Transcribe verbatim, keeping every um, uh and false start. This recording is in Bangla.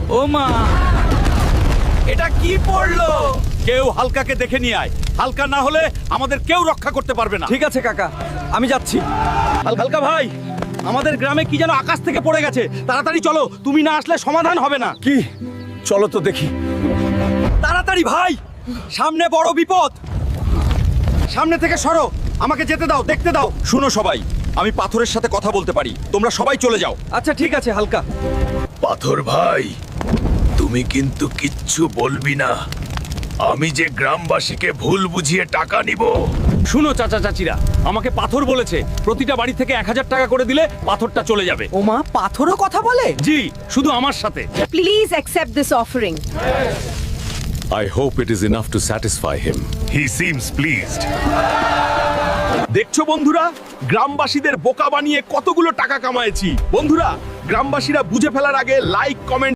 ও মা, এটা কি পড়লো? কেউ হালকাকে দেখে নিয়ে আয়। হালকা না হলে আমাদের কেউ রক্ষা করতে পারবে না। ঠিক আছে কাকা, আমি যাচ্ছি। হালকা ভাই, আমাদের গ্রামে কি যেন আকাশ থেকে পড়ে গেছে। তাড়াতাড়ি চলো, তুমি না আসলে সমাধান হবে না। কি? চলো তো দেখি। তাড়াতাড়ি ভাই, সামনে বড় বিপদ। সামনে থেকে সরো, আমাকে যেতে দাও, দেখতে দাও। শুনো সবাই, আমি পাথরের সাথে কথা বলতে পারি, তোমরা সবাই চলে যাও। আচ্ছা ঠিক আছে হালকা। পাথর ভাই, তুমি কিন্তু কিচ্ছু বলবি না। আমি যে গ্রামবাসীকে ভুল বুঝিয়ে টাকা নিব। শুনো চাচা চাচিরা, আমাকে পাথর বলেছে প্রতিটা বাড়ি থেকে এক হাজার টাকা করে দিলে পাথরটা চলে যাবে। ওমা, পাথরও কথা বলে? জি, শুধু আমার সাথে। Please accept this offering. I hope it is enough to satisfy him. He seems pleased. দেখছো বন্ধুরা, গ্রামবাসীদের বোকা বানিয়ে কতগুলো টাকা কামায়েছি। বন্ধুরা, গ্রামবাসীরা বুঝে ফেলার আগে লাইক কমেন্ট